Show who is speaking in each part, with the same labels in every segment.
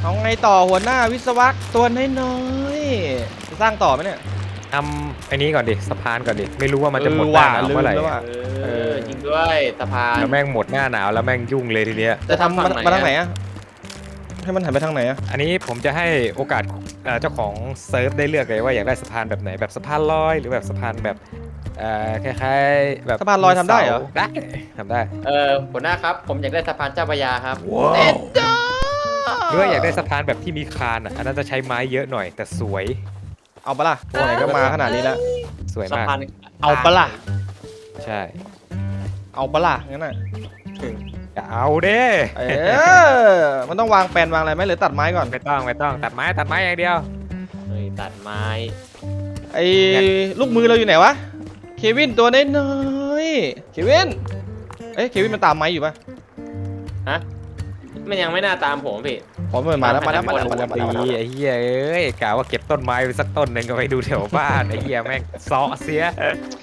Speaker 1: เอาไงต่อหัวหน้าวิศวะตัวน้อยๆจะสร้างต่อไหมเนี่ย
Speaker 2: ทำไอ้นี้ก่อนดิสะพานก่อนดิไม่รู้ว่ามันจะหมดหน้าหนาวเมื่อไหร่
Speaker 1: ลืมแล้วว่ะ
Speaker 3: จริงด้วยสะพาน
Speaker 2: แล้วแม่งหมดหน้าหนาวแล้วแม่งยุ่งเลยทีเนี้ย
Speaker 1: จะทำมาทางไหนอะให้มันหันไปทางไหนอะ
Speaker 2: อันนี้ผมจะให้โอกาสเจ้าของเซิร์ฟได้เลือกเลยว่าอยากได้สะพานแบบไหนแบบสะพานลอยหรือแบบสะพานแบบคล้ายๆแบบ
Speaker 1: สะพานลอยทำได้เหรอ
Speaker 2: ได้ทำได้
Speaker 3: หัวหน้าครับผมอยากได้สะพานเจ้าพระยาครับ
Speaker 2: หรือว่าอยากได้สะพานแบบที่มีคานอ่ะอันนั้นจะใช้ไม้เยอะหน่อยแต่สวย
Speaker 1: เอาปะล่ะตัวไหนก็มาขนาดนี้แล้ว
Speaker 2: สวย
Speaker 3: สะ
Speaker 2: มาก
Speaker 3: พาน
Speaker 1: เอาปะล่ะ
Speaker 2: ใช่
Speaker 1: เอาปะล่ะงั้นน่ะ
Speaker 2: อย่าเอาเด้
Speaker 1: มันต้องวางแปลนวางอะไรไหมหรือตัดไม้ก่อน
Speaker 2: ไม่ต้องตัดไม้อย่างเดียว
Speaker 3: เฮ้ยตัดไม้
Speaker 1: ไอ้ลูกมือเราอยู่ไหนวะเควินตัวน้อยๆเควินเควินมันตามไม้อยู่ปะ
Speaker 3: ฮะมันยังไม่น่าตามผมพี่
Speaker 1: ผมมาแล้วมาแล้ว
Speaker 2: ดีไอ้เหี้ยเอ้ยกะว่าเก็บต้นไม้ไปสักต้นหนึ่งก็ไปดูแถวบ้านไอ้เหี้ยแม่งเซาะเสีย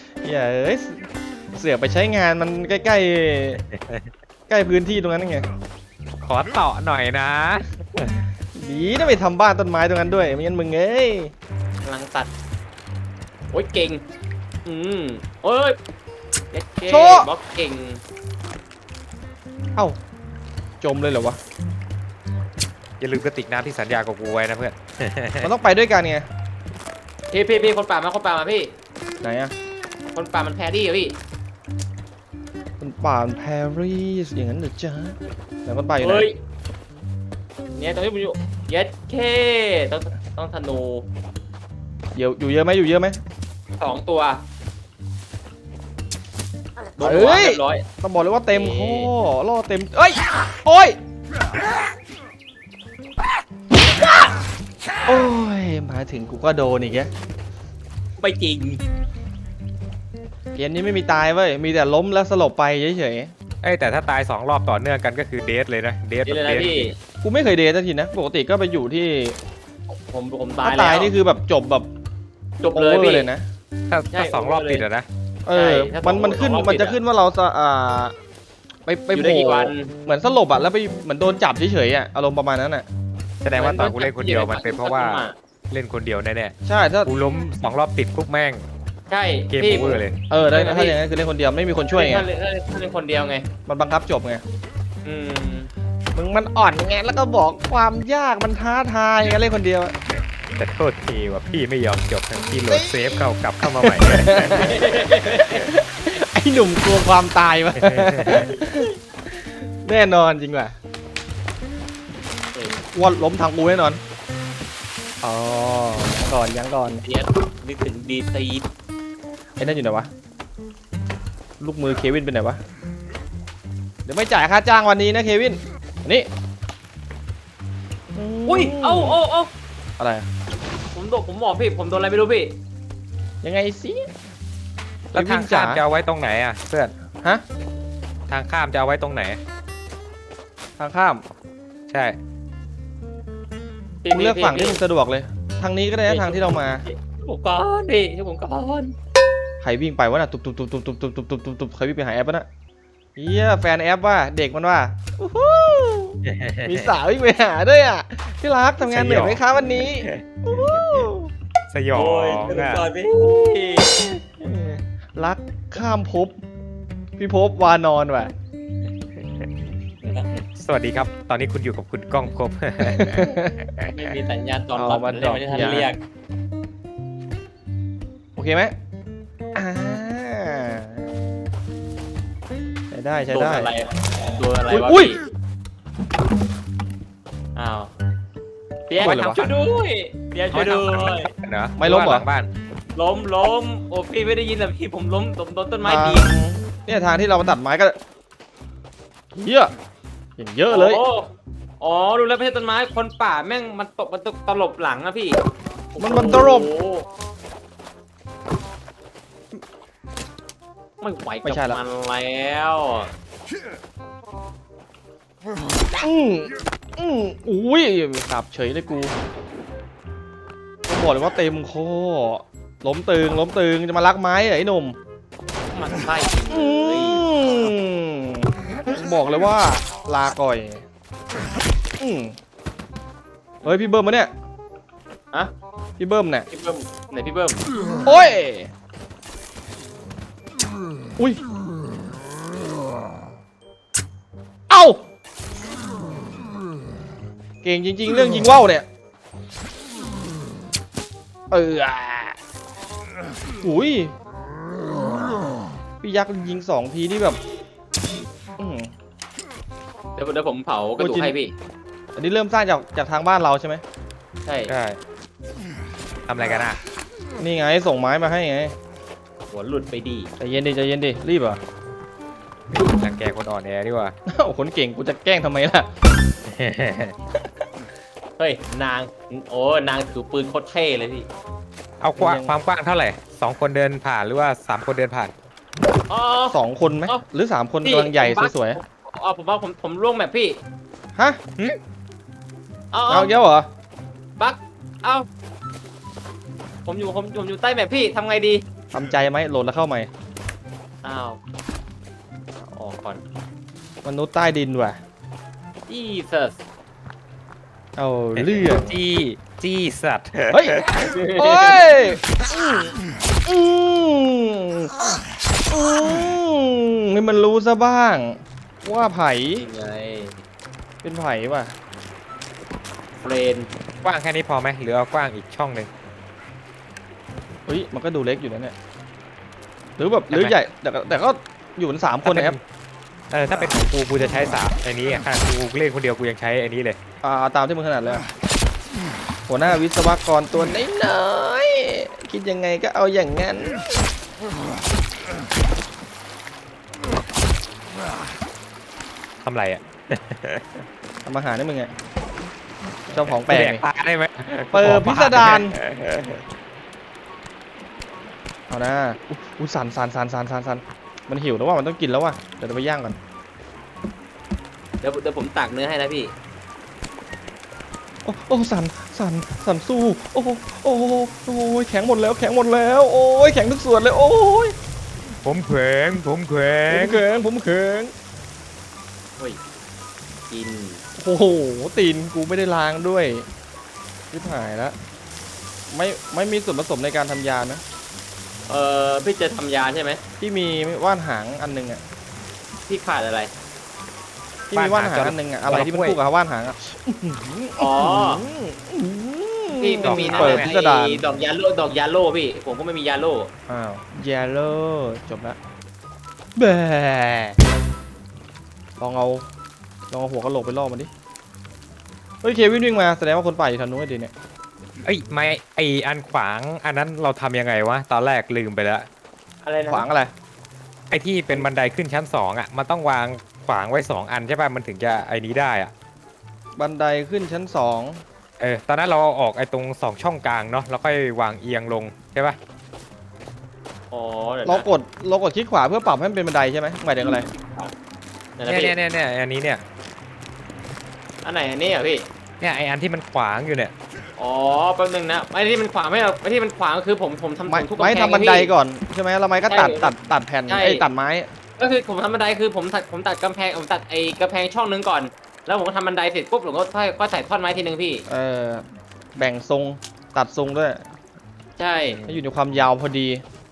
Speaker 1: เสือกไปใช้งานมันใกล้ใกล้พื้นที่ตรงนั้นไง
Speaker 2: ขอต่อหน่อยนะ
Speaker 1: ดีนะไปทำบ้านต้นไม้ตรงนั้นด้วยไม่งั้นมึงเอ้ย
Speaker 3: กำลังตัดโอ้ยเก่งโอ้ยเย็ดเก้บล็อกเก่ง
Speaker 1: เอ้าจมเลยเหรอวะ
Speaker 2: อย่าลืมกระติกน้ำที่สัญญากับกูไว้นะเพื่อน
Speaker 1: มันต้องไปด้วยกันไง
Speaker 3: พี่คนป่ามาพี่
Speaker 1: ไหนอะ
Speaker 3: คนป่ามันแพรรี่อะพี่
Speaker 1: คนป่าแพรรีสอย่างนั้นเหรอจ๊ะแล้วคนป่าอยู่ไหน
Speaker 3: เฮ้ยเนี่ยตรงที่ผมอยู่เย็ดเก้ต้องธนู
Speaker 1: อยู่เยอะไหมอยู่เยอะไหม
Speaker 3: 2 ตัวโดน
Speaker 1: เฮ้
Speaker 3: หัวย เรียบร้อย
Speaker 1: ต้องบอกเลยว่าเต็มข้อล่อเต็มเอ้ยโอ้ยโอ้ยมาถึงกูก็โดนอีกแก
Speaker 3: ไม่จริง
Speaker 1: เกมนี้ไม่มีตายเว้ยมีแต่ล้มแล้วสลบไปเฉย
Speaker 2: เอ้ยแต่ถ้าตาย2 รอบต่อเนื่องกันก็คือเดทเลยนะเดท
Speaker 3: นี่
Speaker 2: แบบ
Speaker 3: เลย
Speaker 2: เด
Speaker 3: นะ
Speaker 2: ท
Speaker 3: พี่
Speaker 1: ๆกูไม่เคยเดทสักทีนะปกติก็ไปอยู่ที่
Speaker 3: ผมตา
Speaker 1: ถ้าย
Speaker 3: แล้ว
Speaker 1: ตายนี่คือแบบจบแบบ
Speaker 3: จบ
Speaker 1: โอ
Speaker 3: เลย
Speaker 1: เวอ
Speaker 3: พี่
Speaker 1: ร์เลยนะ
Speaker 2: ถ้า2 รอบติดอะนะ
Speaker 1: เออ
Speaker 3: ใช่ถ้า
Speaker 1: มันขึ้น
Speaker 3: สองรอบ
Speaker 1: มันจะ
Speaker 3: ติดอะ
Speaker 1: ขึ้นว่าเราจะไป
Speaker 3: อยู่
Speaker 1: โผ
Speaker 3: ได้
Speaker 1: ล่
Speaker 3: กี่วัน
Speaker 1: เหมือนสลบอะแล้วไปเหมือนโดนจับเฉยๆอะอารมณ์ประมาณนั้นอะ
Speaker 2: แสดงว่าตอนกูเล่นคนเดียวมันเป็นเพราะว่าเล่นคนเดียวแน่
Speaker 1: ใช่ถ้า
Speaker 2: ๆกูล้ม2 รอบติดปุ๊บแม่ง
Speaker 3: ใช่
Speaker 2: เกม
Speaker 3: พี่
Speaker 2: โอเวอร์เลย
Speaker 1: ได้
Speaker 3: ใช่
Speaker 1: ถ้าอย่างนั้นคือเล่นคนเดียวไม่มีคนช่วยไง
Speaker 3: ถ้าเล่นคนเดียวไง
Speaker 1: มันบังคับจบไง
Speaker 3: อืม
Speaker 1: มึงมันอ่อนไงแล้วก็บอกความยากมันท้าทายไงเล่นคนเดียวอะ
Speaker 2: แต่โทษทีว่าพี่ไม่ยอมจบทั้งที่โหลดเซฟกลับเข้ามาใหม่
Speaker 1: ไอ้หนุ่มกลัวความตายวะ แน่นอนจริงว่ะว่าล้มทางกูแน่นอนอ๋อก่อนยังก่อน
Speaker 3: เดียดนึกถึงดีซี
Speaker 1: ไอ้นั่นอยู่ไหนวะลูกมือเควินเป็นไหนวะเดี๋ยวไม่จ่ายค่าจ้างวันนี้นะเควินนี่
Speaker 3: อุ้ยเอ้า
Speaker 1: อะไรอะ
Speaker 3: ผมบอกพี่ผมโดนอะไรไม่รู้พี่
Speaker 1: ยังไงสิ
Speaker 2: แล้วทางข้ามจะเอาไว้ตรงไหนอ่ะเพื่อน
Speaker 1: ฮะ
Speaker 2: ทางข้ามจะเอาไว้ตรงไหน
Speaker 1: ทางข้าม
Speaker 2: ใช่
Speaker 1: มึงเลือกฝั่งที่มึงสะดวกเลย ทางนี้ก็ได้นะทางที่เรามา
Speaker 3: ผมก่อนพี่ช่วยผมก่อน
Speaker 1: ใครวิ่งไปวะน่ะตุบตุบตุบตุบตุบตุบตุบตุบตุบตุบใครวิ่งไปหาแอปปะน่ะเฮียแฟนแอปว่าเด็กมันว่าอู้หูมีสาววิ่งไปหาด้วยอ่ะที่รักทำงานเหนื่อยไหมคะวันนี้อู้หู
Speaker 2: สยอ
Speaker 3: โอ้ย
Speaker 2: ง
Speaker 3: ช่วยผม
Speaker 2: อ่ะ
Speaker 3: ก่อนพี่
Speaker 1: รักข้ามภพพี่ภพวานอนว่ะ
Speaker 2: สวัสดีครับ ตอนนี้คุณอยู่กับคุณก้องภพ
Speaker 3: ไม่มีสัญญาณตอนรับเลยไม่ได้ทันเรียก
Speaker 1: โอเคไหมอ่าใช้ได้ใช้
Speaker 3: โดน
Speaker 1: ได้
Speaker 3: อะไรโดนอะไรวะ
Speaker 1: อุ้ย
Speaker 3: พี่อ้าวเปียกทำช่วยด้วยเปียกช่วยด้วย
Speaker 2: เนอะ
Speaker 1: ไม่ล้มเหรอ
Speaker 2: ลังบ้าน
Speaker 3: ล้มโอ้พี่ไม่ได้ยินแต่พี่ผมล้มโดนต้นไม้ดี
Speaker 1: เนี่ยทางที่เรามาตัดไม้ก็เยอะอย่างเยอะเลย
Speaker 3: อ๋อดูแล้วไม่ใช่ต้นไม้คนป่าแม่งมันตลบหลังอะพี่
Speaker 1: มันตลบ
Speaker 3: โอ้โหไม่ไหว
Speaker 1: ไม่
Speaker 3: กับ
Speaker 1: ใช่ละ
Speaker 3: มันแล้ว
Speaker 1: อุ้ยสับเฉยเลยกูบอกเลยว่าเต็มคอล้มตึงจะมาลักไม้เหรอไอ้หนุ่ม
Speaker 3: มันใช่เล
Speaker 1: อื
Speaker 3: ย
Speaker 1: มบอกเลยว่าลาก่อยอืมเฮ้ยพี่เบิ้มมาเนี่ย
Speaker 3: อะ
Speaker 1: พี่เบิ้มเนี่ย
Speaker 3: พี่เบิ้มไหนพี่เบิ้ม
Speaker 1: โอ้ยอุ้ยเอ้าเก่งจริงๆเรื่องยิงว่าวเนี่ยอุ้ยพี่ยักษ์ยิง2 ทีนี่แบบอื้อหือ
Speaker 3: เดี๋ยวผมเผากระดูกให้พี่
Speaker 1: อันนี้เริ่มสร้างจากทางบ้านเราใช่ไหม
Speaker 3: ใช่
Speaker 2: ใช่ทำอะไรกันอ่ะ
Speaker 1: นี่ไงส่งไม้มาให้ไง
Speaker 3: หัวหลุดไปดี
Speaker 1: ใจเย็นดิใจเย็นดิรีบเหรอ
Speaker 2: รังแกคนอ่อนแอดีกว่า
Speaker 1: โอ้คนเก่งกูจะแกล้งทำไมล่ะ
Speaker 3: เฮ้ยนางโอ้นางถือปืนโคตรเท่เลยพี่
Speaker 2: เอาความกว้างเท่าไหร่2 คนเดินผ่านหรือว่า3 คนเดินผ่าน
Speaker 3: อ๋อ
Speaker 1: 2 คนไหม
Speaker 3: เอ้า
Speaker 1: หรือ 3 คน
Speaker 3: พี่
Speaker 1: กำลังใหญ่
Speaker 3: ผมว่า
Speaker 1: สวย
Speaker 3: อ๋อผมว่าผมล่วงแบบพี่
Speaker 1: ๆฮะ
Speaker 3: เอา
Speaker 1: เอาเยอะเหรอ
Speaker 3: บักเอาผมอยู่ใต้แบบพี่ทำไงดี
Speaker 1: ทำใจไหมโหลดแล้วเข้าใหม่
Speaker 3: อ้าวออกก่อน
Speaker 1: มนุษย์ใต้ดินว่ะ
Speaker 3: Jesus
Speaker 1: เอาเรื่อง
Speaker 2: จี้สัตว์
Speaker 1: เฮ้ยโอ้ยอืมให้มันรู้ซะบ้าง ว่าไผ่
Speaker 3: ยังไง
Speaker 1: เป็นไผ่ว่ะ
Speaker 3: เฟรน
Speaker 2: กว้างแค่นี้พอไหมหรือเอากว้างอีกช่องหนึ่ง
Speaker 1: เฮ้ยมันก็ดูเล็กอยู่นะเนี่ยหรือแบบหรือใหญ่แต่ก็อยู่กัน3 คนนะครับ
Speaker 2: ถ้าเป็นของกูจะใช้ไอ้นี้อ่ะขนาดกูเล่นคนเดียวกูยังใช้ไอ้นี้เลย
Speaker 1: ตามที่มึงถนัดเลยอะหัวหน้าวิศวกรตัวน้อยๆคิดยังไงก็เอาอย่างงั้น
Speaker 2: ทำไรอ่ะ
Speaker 1: ทำอาหารให้มึงไงเจ้าของแปลก
Speaker 2: แดก
Speaker 1: นี่
Speaker 2: ปลาได้ไหม
Speaker 1: เปิดพิสดารเอานะอุ้ยสันมันหิวแล้วว่ามันต้องกินแล้วว่ะเดี๋ยวเราไปย่างก่อน
Speaker 3: เดี๋ยวผมตักเนื้อให้นะพี่
Speaker 1: โอ้สันสู้โอ้ยแข็งหมดแล้วโอ้ยแข็งทุกส่วนเลยโอ้ย
Speaker 2: ผมแข็ง
Speaker 1: ผมแข็ง
Speaker 3: เฮ้ยกิน
Speaker 1: โอ้โหตีนกูไม่ได้ล้างด้วยชิบหายแล้วไม่มีส่วนผสมในการทำยานะ
Speaker 3: พี่จะทำยาใช่ไหม
Speaker 1: ที่มีว่านหางอันหนึงอ่ะ
Speaker 3: พี่ขาดอะไร
Speaker 1: ที่มีว่านหางอันหนึงอ่ะอะไรที่มันคู่กับว่านหางอ่ะ
Speaker 3: อ๋อ พี่ไม่มีนะ
Speaker 1: เปิดพิสดาร
Speaker 3: ไอ้ดอกยาโล่พี่ ผมก็ไม่มียาโล่
Speaker 1: อ้าวเยลโล่จบละแบลองเอาหัวกะโหลกไปล่อมันดิเฮ้ยเควินวิ่งมาแสดงว่าคนป่าอยู่ทางนู้นไอ้ดิเนี่ย
Speaker 2: เอ้ยไม่ไออันขวางอันนั้นเราทำยังไงวะตอนแรกลืมไปแล้ว
Speaker 3: อะไรนะ
Speaker 1: ขวางอะไร
Speaker 2: ไอที่เป็นบันไดขึ้นชั้น2อ่ะมันต้องวางขวางไว้2 อันใช่ป่ะมันถึงจะไอ้นี้ได้อ่ะ
Speaker 1: บันไดขึ้นชั้น2
Speaker 2: ตอนนั้นเราเอาออกไอ้ตรง2 ช่องกลางเนาะแล้วค่อยวางเอียงลงใช่ป่ะ
Speaker 3: อ๋อเดี๋ยว
Speaker 1: เรา
Speaker 3: นะ
Speaker 1: กดคลิกขวาเพื่อปรับให้มันเป็นบันไดใช่ไหมหมายถึงอะไร
Speaker 3: เดี๋ยวนะพี่
Speaker 2: เนี่ยอันนี้เนี่ย
Speaker 3: อันไหนอันนี้อ่ะพี่
Speaker 2: เนี่ยไออันที่มันขวางอยู่เนี่ย
Speaker 3: อ๋อแป๊บนึงนะไอ้ที่มันขวางไม่เอาไอ้ที่มันขวางคือผมทำ
Speaker 1: ไม้
Speaker 3: ทุกกำแพง
Speaker 1: ทำบันได
Speaker 3: พี่
Speaker 1: ก่อนใช่ไหมแล้วไม้ก็ตัด
Speaker 3: ใช่
Speaker 1: ตัดแผ่น
Speaker 3: ใช่
Speaker 1: ไอ้ตัดไม้
Speaker 3: ก็คือผมทำบันไดคือผมตัดกำแพงผมตัดไอ้กำแพงช่องนึงก่อน แล้วผมก็ทำบันไดเสร็จปุ๊บผมก็ใส่ท่อนไม้ทีนึงพี่
Speaker 1: แบ่งทรงตัดทรงด้วย
Speaker 3: ใช่
Speaker 1: ให้อยู่ในความยาวพอดี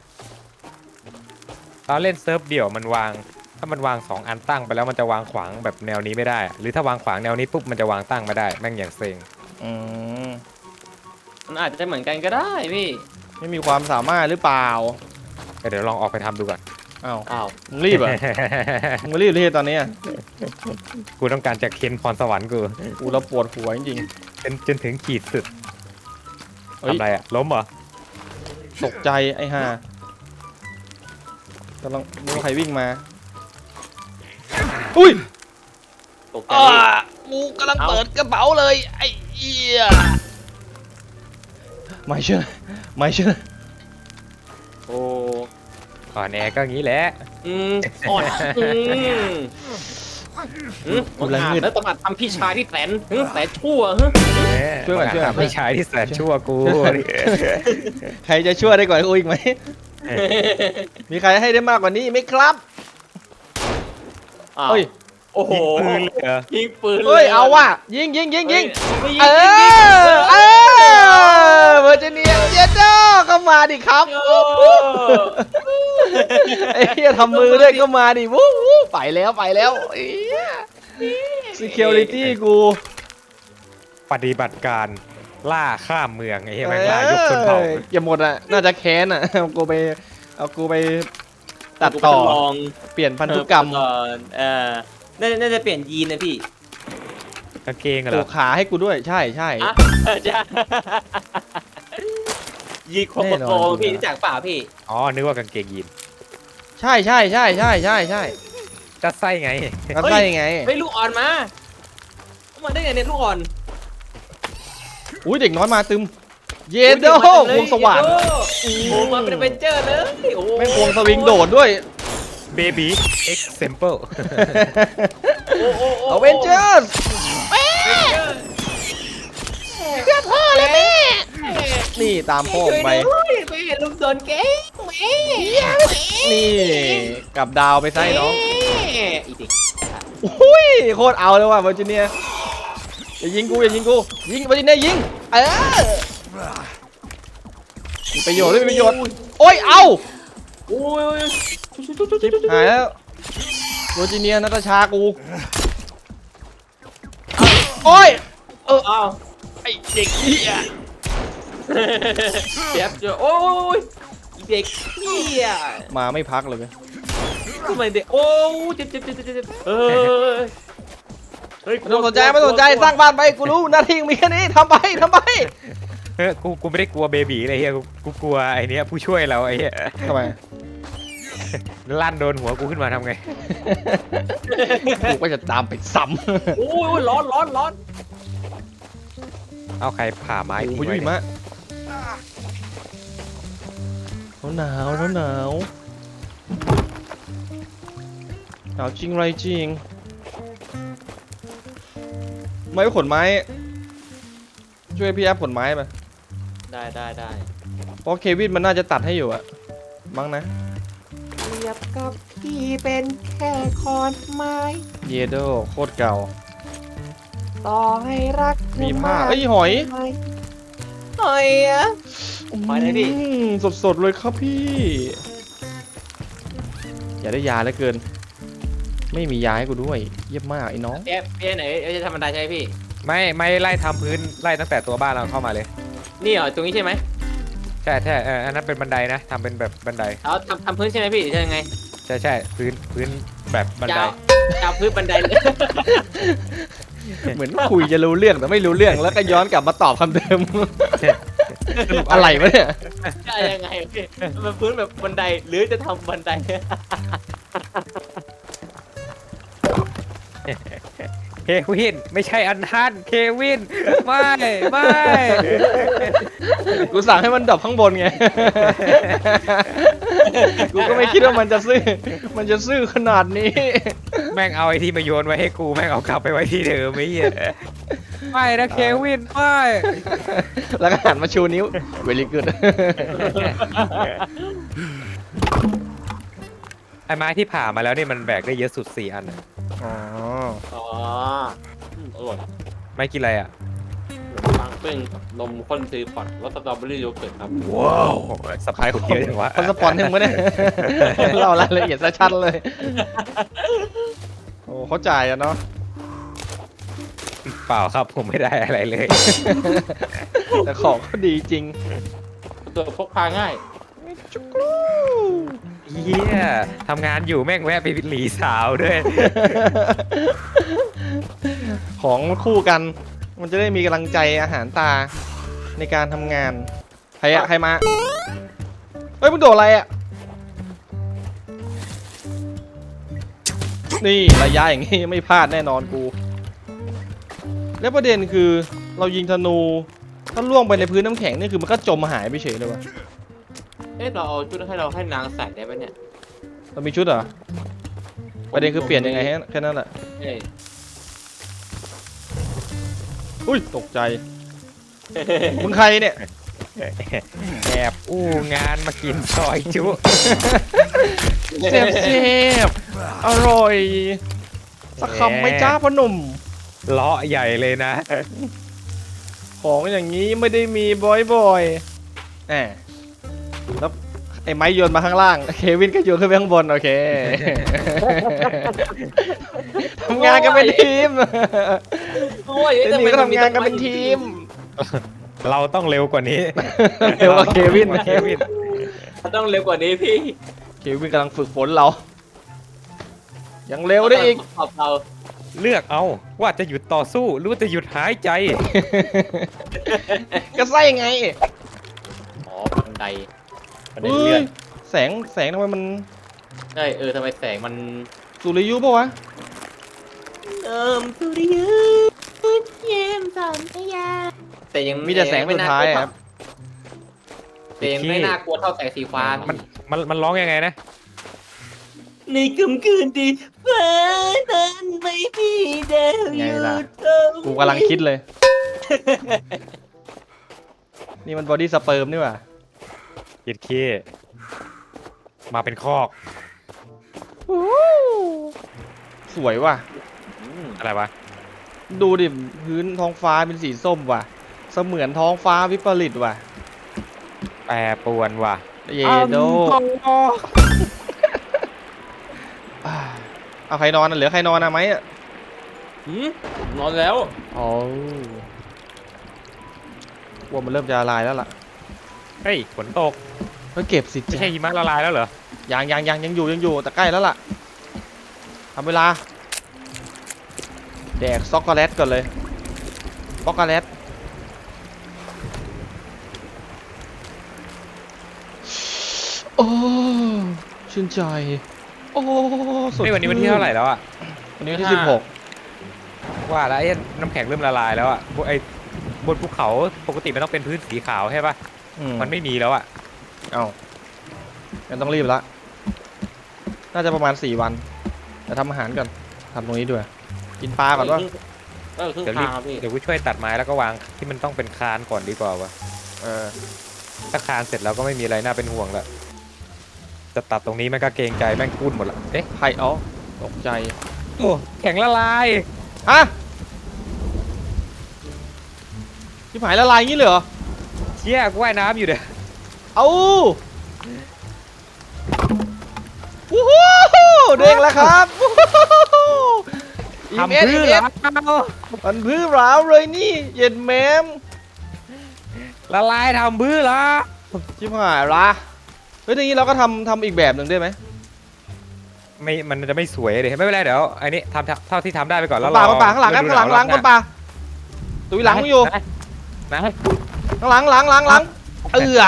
Speaker 2: เราเล่นเซิร์ฟเดี่ยวมันวางถ้ามันวาง2 อันตั้งไปแล้วมันจะวางขวางแบบแนวนี้ไม่ได้ หรือถ้าวางขวางแนวนี้ปุ๊บมันจะวางตั้งไม่ได้แม่งอย่างเซ็ง
Speaker 1: อืม
Speaker 3: มันอาจจะเหมือนกันก็ได้พี่
Speaker 1: ไม่มีความสามารถหรือเปล่า
Speaker 2: เดี๋ยวลองออกไปทำดูก่อน
Speaker 1: อ้าว
Speaker 3: อ้าว
Speaker 1: มึงรีบเหรอ่ะ มึงรีบเลยตอนนี้อะ
Speaker 2: กูต้องการจะเค้นพรสวรรค์กู
Speaker 1: กูเราปวดหัวจริง
Speaker 2: จนถึงขีดสุด
Speaker 1: ๆเฮ้ย
Speaker 2: ทำอะไรอ่ะล้มเหรอ
Speaker 1: ตกใจไอ้ห่ากำลังมีใครวิ่งมาอุ้ย
Speaker 3: ตกใจพี่
Speaker 1: กูกำลังเปิดกระเป๋าเลยไอ้เหี้ยไม่เชื่อ
Speaker 3: โอ้
Speaker 2: ก่อนแอร์ก็งี้แหละ
Speaker 3: อ่อนมันอาจแล้วต้องอาจทำพี่ชายที่แสนชั่วฮะ
Speaker 1: ช่วยก่อน
Speaker 2: ไม่ใช่ที่แสนชั่วกู
Speaker 1: ใครจะช่วยได้กว่ากูอีกไหม มีใครให้ได้มากกว่านี้ไหมครับ
Speaker 3: อ้าว
Speaker 1: เฮ้ย
Speaker 3: โอ้โห
Speaker 2: ปืนเลยเหรอ
Speaker 3: ยิงปืน
Speaker 1: เฮ้ยเอาว่ะยิงยิงยิงยิง
Speaker 3: เอ
Speaker 1: เออเวอร์จิเนียเจโดก็มาดิครับ ไอ้เหี้ยทำมือด้วยก็มาดิวู้วู้ไปแล้วไอ้เหี้ย security กู
Speaker 2: ปฏิบัติการล่าข้ามเมืองไอ้เหี้ยแม่งล่ายกชนเผ่า
Speaker 1: อย่าหมดอ่ะน่าจะแค้นอ่ะเอากูไปตัดต่อ
Speaker 3: ลอง
Speaker 1: เปลี่ยนพันธุกรรม
Speaker 3: น่าจะเปลี่ยนยีนนะพี่
Speaker 2: กางเกงเห
Speaker 1: ป
Speaker 2: ร
Speaker 1: ลู
Speaker 2: อก
Speaker 1: ขาให้กูด้วยใช่
Speaker 3: อ่ะจะยีนโคโปโกพี่รู้จักเปล่าพี่
Speaker 2: อ๋อนึกว่ากางเกงยีน
Speaker 1: ใช่
Speaker 2: จะไส้ไง
Speaker 1: ก็ใช่ไง
Speaker 3: เฮ้ยลูกอ่อนมาเอามาได้ไงเนี่ยลูกอ่อน
Speaker 1: อุ้ยเด็กน้อยมาตึมเยโดวงสว่าน
Speaker 3: โอ้โหมาเป็นเวนเจอร์เลยโอ้โห
Speaker 1: แม่งวงสวิงโดดด้วย
Speaker 2: เบบี้เอ็กเซมเปิล
Speaker 1: อเวนเจอร์
Speaker 3: เพื่อพ่อเลยแม่
Speaker 1: นี่ตามพ่อผมไป
Speaker 3: ไปเห็นลูกโดนเก๊งแม่
Speaker 1: นี่กลับดาวไปไส้น้อง
Speaker 3: อีกที
Speaker 1: อุ้ยโคตรเอาเลยว่ะเวอร์จิเนียอย่ายิงกูยิงเวอร์จิเนียยิงมีประโยชน์ด้วยมีประโยชน์โอ้ยเอา
Speaker 3: โอ้ย
Speaker 1: ชิบหายแล้วเวอร์จิเนียนาตาชากูโอ้ย
Speaker 3: เอา
Speaker 1: ไอเด็กเหี้ย
Speaker 3: เจ็บเจอโอ้ยเด็กเหี้ย
Speaker 1: มาไม่พักเลยเว้ย
Speaker 3: ทำไมเด็กโอ้เจ็บเฮ้ย
Speaker 1: ไม่ต้องสนใจสร้างบ้านไปกูรู้หน้าที่มีแค่นี้ทำไป
Speaker 2: เฮ้ยกูไม่ได้กลัวเบบี้เลยเฮียกูกลัวไอ้เนี้ยผู้ช่วยเราไอ้เหี้ย
Speaker 1: ทำไม
Speaker 2: ลั่นโดนหัวกูขึ้นมาทำไง
Speaker 1: กูก็จะตามไปซ้ำ
Speaker 3: โอ้ยร้อน
Speaker 2: เอาใครผ่าไม้
Speaker 1: โอ้
Speaker 2: ทิ้ง
Speaker 1: ย
Speaker 2: ไว้
Speaker 1: ยุ่ย
Speaker 2: เนี่ย
Speaker 1: มะหนาวหนาวจริงไรจริงไม่ขนไม้ช่วยพี่แอฟขนไม้ไป
Speaker 3: ได้
Speaker 1: เพราะเควินมันน่าจะตัดให้อยู่อะมั้งนะ
Speaker 3: เรียบกับพี่เป็นแค่คอนไม้
Speaker 1: เยโดโคตรเก่า
Speaker 3: ต่อให้รัก
Speaker 1: มีผ้าเอ้ยหอย
Speaker 3: หอยอะ หอยไหนพี่
Speaker 1: สดเลยครับพี่ อย่าได้ยาเหลือเกิน ไม่มียาให้กูด้วย เยี่ยมมากไอ้น้อง
Speaker 3: พี่ไหนจะทำบันไดใช่ไหมพี่
Speaker 2: ไม่ไล่ทำพื้นไล่ตั้งแต่ตัวบ้านเราเข้ามาเลย
Speaker 3: นี่เหรอตรงนี้ใช่ไหม
Speaker 2: ใช่อันนั้นเป็นบันไดนะทำเป็นแบบบันได
Speaker 3: เอาทำพื้นใช่ไหมพี่หรือจะยังไง
Speaker 2: ใช่พื้นแบบบันได
Speaker 3: ยาวพื้นบันไดเลย
Speaker 1: เหมือนคุยจะรู้เรื่องแต่ไม่รู้เรื่องแล้วก็ย้อนกลับมาตอบคำเดิม อะไรวะเนี่ย
Speaker 3: จะยังไงพี่มันพื้นแบบบันไดหรือจะทำบันได
Speaker 2: เควินไม่ใช่อันทันเควินไม่
Speaker 1: กูสั่งให้มันดับข้างบนไง กูก็ไม่คิดว่ามันจะซื่อขนาดนี้
Speaker 2: แม่งเอาไอ้ที่มาโยนไว้ให้กูแม่งเอากลับไปไว้ที่เดิมไอ้เหี้ยไม่นะเควินไม่
Speaker 1: แล้วก็หันมาชูนิ้ว very good
Speaker 2: ไอ้ไม้ที่ผ่ามาแล้วนี่มันแบกได้เยอะสุด4อันอะ
Speaker 1: อ๋อ
Speaker 3: อ๋ออร่อย
Speaker 2: ไม่กินอะไรอ่ะ
Speaker 3: ปังปิ้งกับนมข้นซีพอร์ตรสสตรอเบอรี่โยเกิร์ตครับ
Speaker 2: ว้าวสปายคุณเยอะจังวะ
Speaker 1: เขาสปอนให้มึงไม่ได้ เล่ารายละเอียดซะชัดเลย โอ้เขาจ่ายอะเนาะ
Speaker 2: เปล่าครับผมไม่ได้อะไรเลย
Speaker 1: แต่ของเขาดีจริง
Speaker 3: ตัวพกพาง่าย
Speaker 1: จุกรู
Speaker 2: เฮียทำงานอยู่แม่งแวะไปหลีสาวด้วย
Speaker 1: ของคู่กัน มันจะได้มีกำลังใจอาหารตาในการทำงาน ใครอะใครมา เฮ้ยมึงโดดอะไรอะนี่ระยะอย่างงี้ไม่พลาดแน่นอนกู แล้วประเด็นคือเรายิงธนูถ้าล่วงไปในพื้นน้ำแข็งนี่คือมันก็จมหายไปเฉยเลยวะ
Speaker 3: เอ๊ะเราเอาชุดให้นางใส่ได้ไหมเนี่ย
Speaker 1: เรามีชุดเหรอ ประเด็นคือเปลี่ยนยังไงแค่นั้นแหละ
Speaker 3: เอ้ย
Speaker 1: อุ้ยตกใจ มึงใครเนี่ย
Speaker 2: แอบอู้งานมากินซอยจุ
Speaker 1: เซฟอร่อยสักคำไหม่จ้าพ่อหนุ่ม
Speaker 2: เลาะใหญ่เลยนะ
Speaker 1: ของอย่างนี้ไม่ได้มีบ่อยๆแหมแล้วไอ้ไม้โยนมาข้างล่าง เควินก็โยนขึ้นไปข้างบน โอเค ทำงานกันเป็นทีม
Speaker 3: โอ้ย
Speaker 1: เจนนี่ก็ทำงานกันเป็นทีม
Speaker 2: เราต้องเร็วกว่านี้
Speaker 1: เร็วกว่าเควิน
Speaker 2: เควิน
Speaker 3: ต้องเร็วกว่านี้พี่
Speaker 1: เควินกำลังฝึกฝนเรา ยังเร็วได้อีก
Speaker 3: ขอบเรา
Speaker 2: เลือกเอาว่าจะหยุดต่อสู้หรือว่าจะหยุดหายใจ
Speaker 1: ก็ใส่ไง
Speaker 3: อ๋อบันไดบันได
Speaker 1: เฮ้
Speaker 3: เลื่อย น
Speaker 1: แสงทำไมมัน
Speaker 3: ใช่ทำไมแสงมัน
Speaker 1: สุริยุปะวะ
Speaker 3: สุริยุเยี่ยมสันทยาแต่ยัง
Speaker 1: มีแต่แสงสุดท้ายอะครับ
Speaker 3: แต่ยังไม่น่ากลัวเท่าแสงสีฟ้า
Speaker 2: มันร้องยังไงนะ
Speaker 3: ในค่ำคืนที่ฟ้านั้นไม่มีดาว
Speaker 1: ไง
Speaker 3: อยู่
Speaker 1: ล่ะ
Speaker 3: ตรง
Speaker 1: กูกำลังคิดเลย นี่มันบอดี้สเปิร์มนี่หว่า
Speaker 2: ยิดเคมาเป็นคอก
Speaker 1: สวยว่ะ
Speaker 2: อะไรวะ
Speaker 1: ดูดิพื้นท้องฟ้าเป็นสีส้มว่ะ เสมือนท้องฟ้าวิปริตว่ะ
Speaker 2: แปรปรวนว่ะ
Speaker 1: เยโดเอาใครนอนน่ะเหลือใครนอนอะไหมอะ
Speaker 3: นอนแล้ว
Speaker 1: อ๋อว่ามันเริ่มจะละลายแล้วล่ะ
Speaker 2: เฮ้ยฝนตก
Speaker 1: ก็เก็บสิ
Speaker 2: ไม่
Speaker 1: จ๊ะ
Speaker 2: ใช่หิมะละลายแล้วเหรอ
Speaker 1: ยังอยู่แต่ใกล้แล้วล่ะทำเวลาแดกช็อกโกแลตก่อนเลยช็อกโกแลตโอ้ชื่นใจโอ้สด
Speaker 2: เฮ้ยวันนี้วันที่เท่าไหร่แล้วอะ
Speaker 1: วันนี้วันที่ 16
Speaker 2: ว่าแล้วไอ้น้ำแข็งเริ่มละลายแล้วอะไอ้บนภูเขาปกติมันต้องเป็นพื้นสีขาวใช่ปะมันไม่มีแล้วอะ
Speaker 1: เอ้างั้นต้องรีบละน่าจะประมาณ4 วันแต่ทำอาหารก่อนทำตรงนี้ด้วยกินปลาก่อนว่า
Speaker 3: ครึ่ง
Speaker 2: เดี๋ยวรี
Speaker 3: ทา
Speaker 2: บ
Speaker 3: งพี่
Speaker 2: เดี๋ยวกูช่วยตัดไม้แล้วก็วางที่มันต้องเป็นคานก่อนดีกว่าวะ ถ้าคานเสร็จแล้วก็ไม่มีอะไรน่าเป็นห่วงละจะตัดตรงนี้มันก็เกรงใจแม่งกุ้นหมดละเอ๊ะ
Speaker 1: ไข่อ๋อตกใจ
Speaker 2: โอ้แข็งละลาย
Speaker 1: ฮะที่หายละลายงี้เลยเหรอ
Speaker 2: เชี่ยกูว่ายน้ำอยู่เด้อ
Speaker 1: เอาวู้ฮู้เด้งแล้วครับวู้ฮู้
Speaker 2: ทำเพื่อ
Speaker 1: EMS มันพื้นร้าวเลยนี่เย็นแมม
Speaker 2: ละลายทำเพื่อละ
Speaker 1: ชิบหายละเฮ้ยทีนี้เราก็ทำอีกแบบหนึ่งได้ไหม
Speaker 2: ไม่มันจะไม่สวยเลยไม่เป็นไรเดี๋ยวไอ้นี่ทำเท่าที่ทำได้ไปก่อนแล้ว
Speaker 1: คนป่าข้างหลังครับข้างหลังคนป่าตุยหลังอยู่
Speaker 2: นะ
Speaker 1: ข้างหลังเอื้อ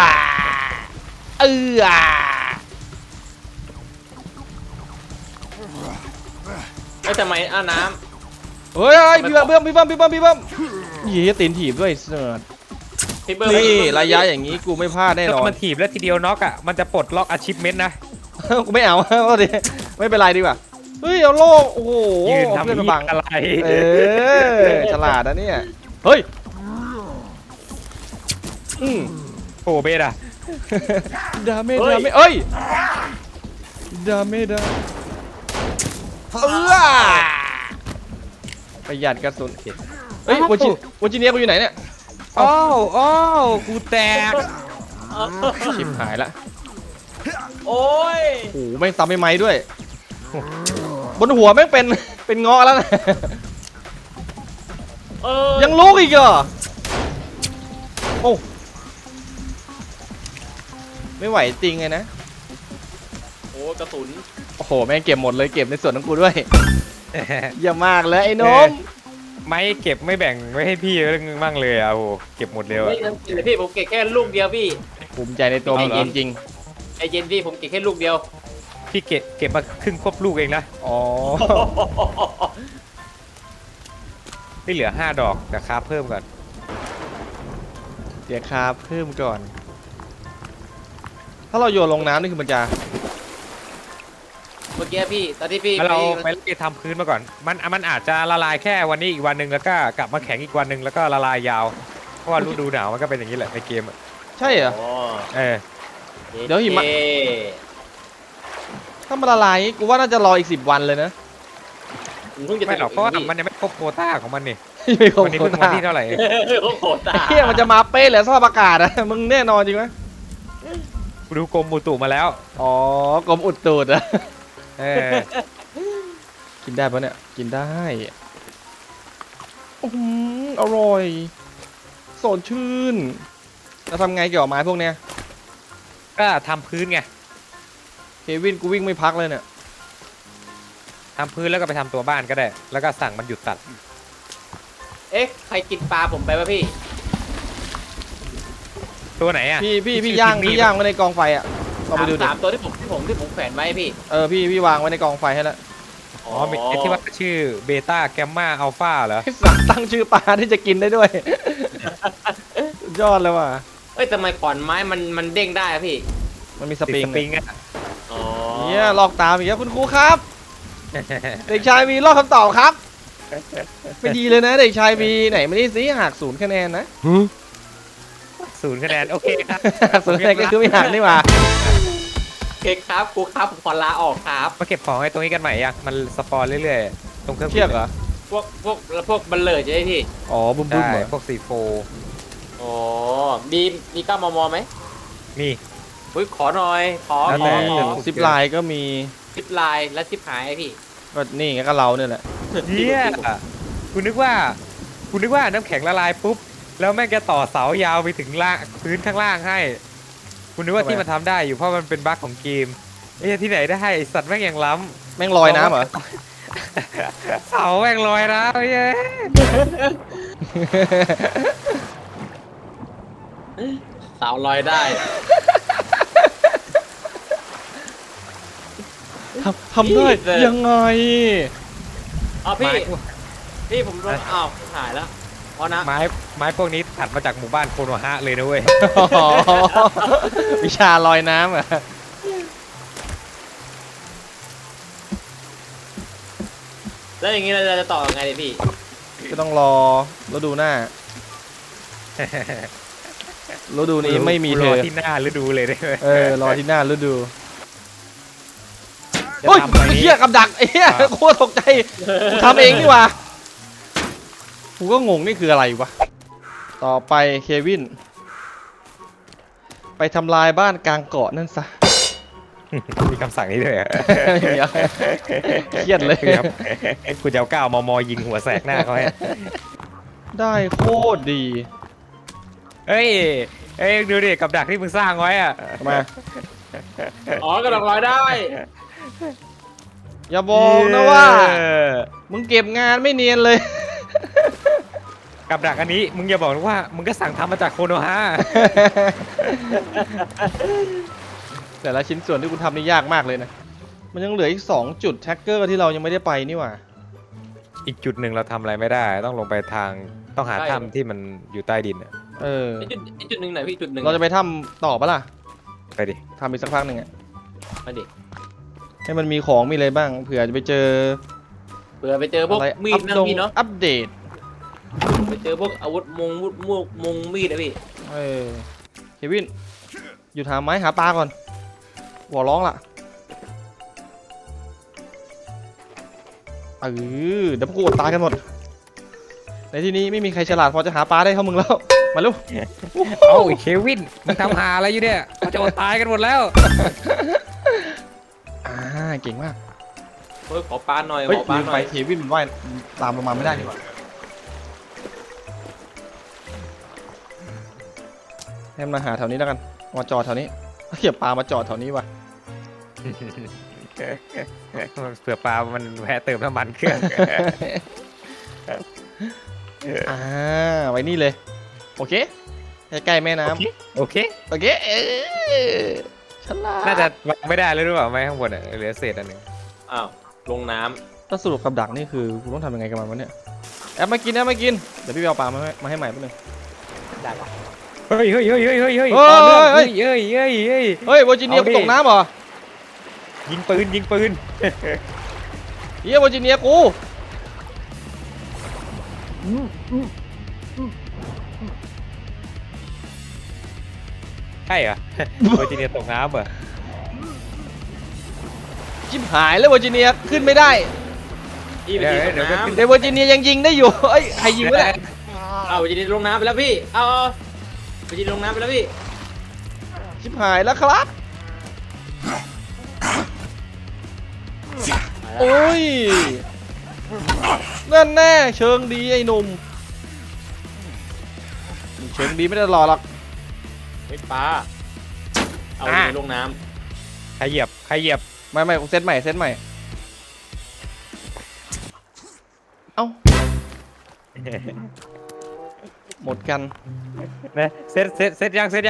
Speaker 3: ไม่ทำไมน้
Speaker 1: เฮ้ยพี่เบิ้มเย้ตีนถีบด้วยเสิร์ต
Speaker 3: ำพี่เบิร์ด
Speaker 1: นี่ระยะอย่างนี้กูไม่พลาดแน่น
Speaker 2: ถ้า
Speaker 1: อน
Speaker 2: มันถีบแล้วทีเดียวน็อกอ่ะมันจะปลดล็อกอาชีพเมนต์นะ
Speaker 1: กูไม่เอาก็ดิไม่เป็นไรดีกว่าเฮ้ยเอาโล่โอ้โห
Speaker 2: ยืน
Speaker 1: เอา
Speaker 2: ทำ
Speaker 1: เพื่อนมา
Speaker 2: ยี่
Speaker 1: บัง
Speaker 2: อะไร
Speaker 1: ฉลาดนะเนี่ยเฮ้ยอืม
Speaker 2: โอ้เบสอะ
Speaker 1: ดาเมเอ้ยดาเมประหยัดกระสุนเฮ้ยวอจิเนียกูอยู่ไหนเนี่ย
Speaker 2: โอ้กูแตก
Speaker 1: ชิบหายละ
Speaker 3: โอ้ย
Speaker 1: โอ้โหแม่งซ้ำไม่ไม้ด้วยบนหัวแม่งเป็นเงาะแล้วนะ ยังลูกอีกเหรอโอ้ไม่ไหวจริงไงนะ
Speaker 3: โอ้กระสุน
Speaker 1: โอ้โหแม่งเก็บหมดเลยเก็บในส่วนของกูด้วยเยี่ยมมากเลยไอ้นม
Speaker 2: ไม่เก็บไม่แบ่งไว้ให้พี่บ้างเลยอ่ะโอ้เก็บหมดเลย
Speaker 3: ไม่
Speaker 2: อ่ะ
Speaker 3: ทำกินเลยพี่ผมเก็บแค่ลูกเดียวพี่
Speaker 1: ภูมิใจในตัวมึงจริง
Speaker 3: ไอเย็นพี่ผมเก็บแค่ลูกเดียว
Speaker 2: พี่เก็บมาครึ่งควบลูกเองนะ
Speaker 1: ๆอ๋อ
Speaker 2: ไม่เหลือ5 ดอกแต่คราฟเพิ่มก่อน
Speaker 1: เดี๋ยวครับเพิ่มก่อน ถ้าเราโยนลงน้ำนี่คือมันจะ
Speaker 3: เมื่อกี้พี่ตอนที่พี่
Speaker 2: แล้วเราไปทำพื้นมาก่อนมันอาจจะละลายแค่วันนี้อีกวันหนึ่งแล้วก็กลับมาแข็งอีกวันหนึ่งแล้วก็ละลายยาวเพราะว่าฤดูหนาวมันก็เป็นอย่างนี้แหละในเกมอ่ะ
Speaker 1: ใช่เหรอ
Speaker 3: อ๋อ
Speaker 1: เดี๋ยวหิมะ ถ้ามันละลายกูว่าน่าจะรออีก10 วันเลยนะ
Speaker 3: ผมเพิ่งจะ
Speaker 2: ไม่หรอกเพราะว่า
Speaker 3: พี่
Speaker 2: มันยังไม่ครบโควต้าของมันนี่
Speaker 1: ไม่ครบ
Speaker 2: วันนี้
Speaker 1: โค
Speaker 2: เพิ่งวั
Speaker 1: ต้าน
Speaker 2: ที่เท่าไหร่
Speaker 3: โอ้โหตา
Speaker 1: เฮียมันจะมาเป๊ะเหรอสภาพอากาศอะ มึงแน่นอนจริงไหม
Speaker 2: กูดูกรมอุตุมาแล้ว
Speaker 1: อ๋อกรมอุดตูดอะ
Speaker 2: เออ
Speaker 1: กินได้ปะเนี่ยกินได้อร่อยสดชื่นแล้วทำไงเกี่ยวกับไม้พวกเนี้ย
Speaker 2: ก็ทำพื้นไง
Speaker 1: เควินกูวิ่งไม่พักเลยเนี่ย
Speaker 2: ทำพื้นแล้วก็ไปทำตัวบ้านก็ได้ แล้วก็สั่งมันหยุดตัด
Speaker 3: เอ๊ะใครกินปลาผมไปวะพี่
Speaker 2: ตัวไหนอ่ะ
Speaker 1: พี่ย่างไว้ในกองไฟอะลองไปดูดิ
Speaker 3: สามตัวที่ผมแขวนไว้พี่
Speaker 1: พี่วางไว้ในกองไฟให้แล้ว
Speaker 2: อ๋อมีไอ้ที่ว่าชื่อเบต้าแกมมาอัลฟาเหรอ
Speaker 1: สั่งตั้งชื่อปลาที่จะกินได้ด้วย สุดยอดเลยว่ะ
Speaker 3: เอ้ยทำไมขอนไม้มันเด้งได้อะพี่
Speaker 1: มันมีส
Speaker 2: ติด
Speaker 1: ปริง
Speaker 2: สปริงอ่ะ
Speaker 3: อ๋อ
Speaker 1: เนี่ยลอกตามอีกแล้วคุณครูครับ เด็กชายมีลอกคำตอบครับ ไม่ดีเลยนะ เด็กชายมีไหนไม่ได้สิหัก0คะแนนนะ
Speaker 2: 0 คะแนนโอเคครับ
Speaker 1: หัก0คะแนนก็คือไม่หักนี่หว่า
Speaker 3: โอเคครับครูครับผมขอลาออกครับ
Speaker 2: มาเก็บของไอ้ตรงนี้กันใหม่ยังมันสปอนเรื่อยๆ ตรงเครื่อง
Speaker 1: เทียบเหรอ
Speaker 3: พวกบัลเลอร์ใช่ไหมพี่
Speaker 1: อ๋อบุ้มบุ้ม
Speaker 2: ได้
Speaker 1: เหรอ
Speaker 2: พวกC4
Speaker 3: อ๋อมี9 มมไหม
Speaker 2: มี
Speaker 3: อุ้ยขอหน่อยขอ
Speaker 2: แล้ว
Speaker 3: ข
Speaker 2: แต่
Speaker 3: อ
Speaker 1: ซิปไลน์ก็มี
Speaker 3: ซิปไลน์และซิปหายพี่
Speaker 1: ก็นี่ไงก็เราเนี่ยแหละ
Speaker 2: เนี่ยกูนึกว่าน้ำแข็งละลายปุ๊บ แล้วแม่งจะต่อเสายาวไปถึงล่างพื้นข้างล่างให้กูนึกว่าที่มันทำได้อยู่เพราะมันเป็นบั๊กของเกมไอ้เหี้ยที่ไหนได้ไอ้สัตว์แม่งยังล้
Speaker 1: แม่งลอยน้ำเหรอ
Speaker 2: ำเสาแม่งลอยน้ำไอ้เหี้ย
Speaker 3: สาวลอยได้
Speaker 1: ทำได้ยังไง
Speaker 3: อ๋อพี่ผมโดนอ้าวหายแล้วเพราะนะ
Speaker 2: ไม้พวกนี้ตัดมาจากหมู่บ้านโคโนฮะเลยนะเว้ย
Speaker 1: อ๋อวิชาลอยน้ำเหรอ
Speaker 3: แล้วอย่างนี้เราจะต่อยังไงดีพี่
Speaker 1: ก็ต้องรอฤดูหน้าฤดูนี้ไม่มีเธ
Speaker 2: รอ
Speaker 1: อ
Speaker 2: ที่หน้าฤดูเลยได้ไหม
Speaker 1: รอที่หน้าฤดู
Speaker 2: จะ
Speaker 1: โอ้ย
Speaker 2: ทำอะไร
Speaker 1: ไอ้
Speaker 2: นี่
Speaker 1: เหี้ยกับดักไอ้เหี้ยโคตรตกใจกูทำเองนี่หว่ากูก็งงนี่คืออะไรวะต่อไปเควินไปทำลายบ้านกลางเกาะนั่นซะ
Speaker 2: มีคำสั่งนี้ด้วยเหรอ
Speaker 1: เครียดเลย
Speaker 2: ครับกูจะเอา9 มมยิงหัวแสกหน้าเขาให้
Speaker 1: ได้โคตรดี
Speaker 2: เฮ้ยดูดิกับดักที่มึงสร้างไว้อะ
Speaker 1: มา
Speaker 3: อ๋อกระดองลอยได้
Speaker 1: อย่าบอกนะว่า มึงเก็บงานไม่เนียนเลย
Speaker 2: กับดักอันนี้มึงอย่าบอกนะว่ามึงก็สั่งทำมาจากโคโนฮะ
Speaker 1: แต่ละชิ้นส่วนที่คุณทำนี่ยากมากเลยนะ มันยังเหลืออีก2จุดแท็กเกอร์ที่เรายังไม่ได้ไปนี่หว่า
Speaker 2: อีกจุดหนึ่งเราทำอะไรไม่ได้ ต้องลงไปทางต้องหาถ้ำที่มันอยู่ใต้ดินอะ
Speaker 1: เออ
Speaker 3: ไอ้จุดหนึ่งไหนพี่จุดหนึ่ง
Speaker 1: เราจะไปถ้ำต่อปะล่ะ
Speaker 2: ไปดิ
Speaker 1: ทำอีกสักพักหนึ่งอะ
Speaker 3: มาดิ
Speaker 1: ให้มันมีของมีอะไรบ้าง เผื่อจะไปเจอ
Speaker 3: เผื่อไปเจอพวก
Speaker 1: อะไร
Speaker 3: มีดนะพี่เนาะ
Speaker 1: อัปเดต
Speaker 3: ไปเจอพวกอาวุธมงมีดนะพี่
Speaker 1: เออเควิน อยู่หาไม้หาปลาก่อนหัวร้องล่ะเดี๋ยวพวกกูอดตายกันหมด ในที่นี้ไม่มีใครฉลาดพอจะหาปลาได้เท่ามึงแล้ว มาลูก
Speaker 2: เอ้าไอ้เควินมึงทำหาอะไรอยู่เนี่ยเขาจะอดตายกันหมดแล้ว
Speaker 1: เก่งมาก
Speaker 3: เฮ้ยขอปลาหน่อย
Speaker 1: เฮ้ย
Speaker 3: ขอปลา
Speaker 1: ลืม
Speaker 3: หน่
Speaker 1: ไป
Speaker 3: อย
Speaker 1: เควินมันว่ายตามลงมาไม่ได้ดีกว่าให้มันมาหาแถวนี้แล้วกันมาจอดแถวนี้เขี่ยปลามาจอดแถวนี้ว่ะ
Speaker 2: เผื่อปลามันแวะเติมน้ำมันเครื่อง
Speaker 1: ไว้นี่เลย โอเคใกล้ๆแม่น้
Speaker 2: โอเค
Speaker 1: ำโอเคฉลาด
Speaker 2: น่าจะวางไม่ได้เลยหรือเปล่าไม่ข้างบนอ่ะเหลือเศษอันหนึ่ง
Speaker 3: อ้าวลงน้
Speaker 1: ถ้าสรุปกับดักนี่คือกูต้องทำยังไงกับมันวะเนี่ยแอบมากินเดี๋ยวพี่ไปเอาปลามาให้ใหม่แป๊บนึง
Speaker 3: ำได้ปะ
Speaker 2: เฮ้ย
Speaker 1: เฮ้ย
Speaker 2: ต่อเนื่อง
Speaker 1: เฮ้
Speaker 2: เฮ้
Speaker 1: ย
Speaker 2: ยเฮ้ย
Speaker 1: เฮ้ยเวอร์จิเนีย
Speaker 2: เอา
Speaker 1: กู
Speaker 2: ดิ
Speaker 1: ตกน้ำเหรอ
Speaker 2: ยิงปืน
Speaker 1: เฮียเวอร์จิเนียกู
Speaker 2: ใช่เหรอ เวอร์จิเนียตกน้ำเหรอ
Speaker 1: ชิบหายแล้วเวอร์จิเนียขึ้นไม่ได้
Speaker 3: พี่ไปยิงลงน้ำ
Speaker 1: เดวอร์จิเนียยังยิงได้อยู่เอ้ยใครยิงวะเนี่ย
Speaker 3: เอาไปยิงลงน้ำไปแล้วพี่เอาไปยิงลงน้ำไปแล้วพี่
Speaker 1: ชิบหายแล้วครับโอ้ยนั่นแน่เชิงดีไอ้หนุ่มเชิงดีไม่ได้หล่อหรอก
Speaker 3: เฮ้ยปลาเอาไปยิงลงน้
Speaker 2: ใครเหยียบ
Speaker 1: ไม่เซตใหม่เอ้าหมดกัน
Speaker 2: นะเซตยัง
Speaker 1: เสร็จ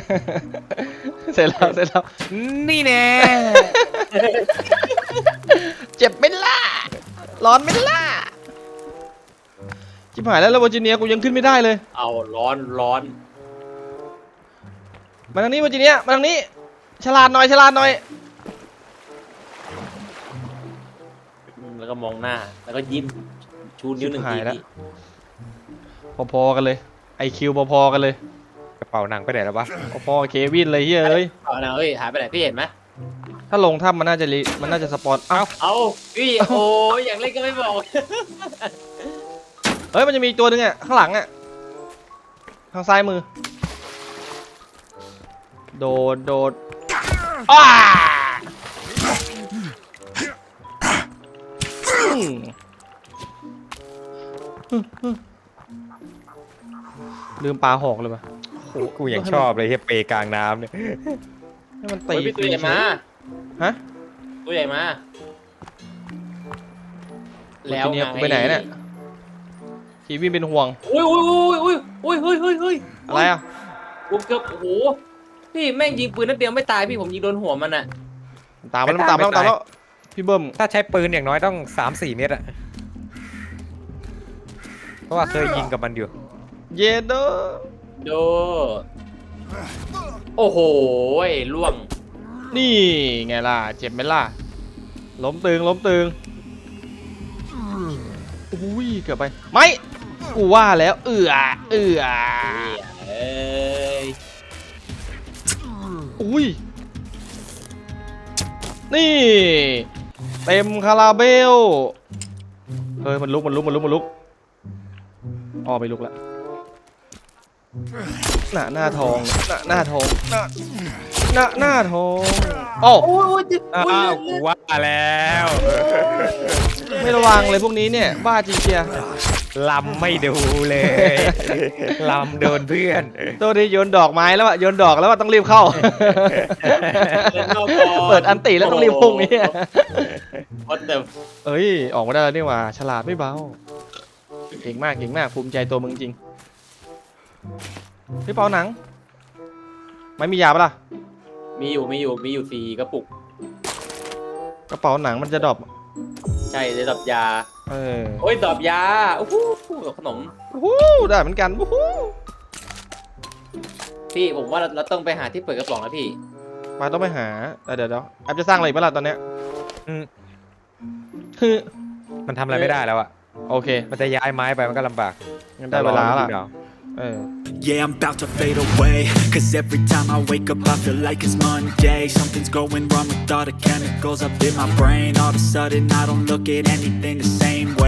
Speaker 1: แล้ว
Speaker 2: นี่แน่
Speaker 1: เจ็บไหม่ล่ะร้อนไหม่ล่ะชิบหายแล้ววอร์จิเนียกูยังขึ้นไม่ได้เลย
Speaker 3: ำเอาร้อน
Speaker 1: มาทางนี้วอร์จิเนียมาทางนี้ฉลาดหน่อย
Speaker 3: แล้วก็มองหน้าแล้วก็ยิ้มชูนิ้วหนึ่งทีพี่
Speaker 1: พอๆกันเลยไอคิวพอๆกันเลย
Speaker 2: กระเป๋าหนังไปไหนแล้ววะ
Speaker 1: พอๆเควินเลยเฮ้ย
Speaker 3: เอาหน่ะเฮ้ยหายไปไหนพี่เห็นไหม
Speaker 1: ถ้าลงถ้ำมันน่าจะสปอนเอ้า
Speaker 3: เอาพี่โอ้ยอยากเล่นก็ไม่บอก
Speaker 1: เฮ้ยมันจะมีอีกตัวหนึงอ่ะข้างหลังอ่ะทางซ้ายมือโดดอ้าลืมปลาหอกเลยปะ
Speaker 2: กูยังชอบเลยเฮียเปกลางน้ำเนี่ย
Speaker 1: ให้มัน
Speaker 3: เฮ้
Speaker 1: ตี
Speaker 3: ยพี่ตัวใหญ่มา
Speaker 1: ฮะ
Speaker 3: ตัวใหญ่มา
Speaker 1: แล้วเนี่ยไปไหนเนี่ยทีวีเป็นห่วง
Speaker 3: อุ้ย
Speaker 1: อะไรอ่ะ
Speaker 3: ผมเกือบโอ้โหพี่แม่งยิงปืนนัดเดียวไม่ตายพี่ผมยิงโดนหัวมันอ่ะ
Speaker 1: ตามแล้วพี่เบิ้ม
Speaker 2: ถ้าใช้ปืนอย่างน้อยต้อง 3-4 เมตรอะเพราะว่าเคยยิงกับมันอยู่
Speaker 1: เยโด
Speaker 3: โดโอ้โหล่วง
Speaker 1: นี่ไงล่ะเจ็บไหมล่ะล้มตึงอุ้ยเกือบไปไม่กูว่าแล้วเอื้อ
Speaker 3: เอ้ย
Speaker 1: อุ้ยนี่เต็มคาราเบลเฮ้ยมันลุกอ๋อไม่ลุกละหน้าทองหน้าทองโอ้
Speaker 3: โอ้ย
Speaker 2: อ้าวกูว่าแล้ว
Speaker 1: ไม่ระวังเลยพวกนี้เนี่ยบ้าจริงเชีย
Speaker 2: ลำไม่ดูเลยลำโดนเพื่อน
Speaker 1: ตัวนี้โยนดอกไม้แล้วอะโยนดอกแล้วต้องรีบเข้า เปิดอันติแล้วต้องรีบพุ่งนี่
Speaker 3: วัดเดิม
Speaker 1: เอ้ยออกมาได้แล้วนี่หว่าฉลาดไม่เบาเก่งมากภูมิใจตัวมึงจริงพี่เปาหนังไม่มียาปะล่ะ
Speaker 3: มีอยู่4 กระปุก
Speaker 1: กระเป๋าหนังมันจะดรอป
Speaker 3: ใช่ได้ดอกยา
Speaker 1: โอ้ย
Speaker 3: ดอกยาโอ้โหขนม
Speaker 1: ได้เหมือนกันวู้ฮู้
Speaker 3: พี่ผมว่าเราต้องไปหาที่เปิดกระป๋องแล้วพี่
Speaker 1: มาต้องไปหาเดี๋ยวแอปจะสร้างอะไรอีกปะล่ะตอนเนี้ย
Speaker 2: อืม
Speaker 1: คือ
Speaker 2: มันทำอะไรไม่ได้แล้วอะ
Speaker 1: โอเค
Speaker 2: มันจะย้ายไม้ไปมันก็ลำบาก
Speaker 1: งั้นได้เวลาละ
Speaker 4: Yeah, I'm about to fade away. Cause every time I wake up, I feel like it's Monday. Something's going wrong with all the chemicals up in my brain. All of a sudden, I don't look at anything the same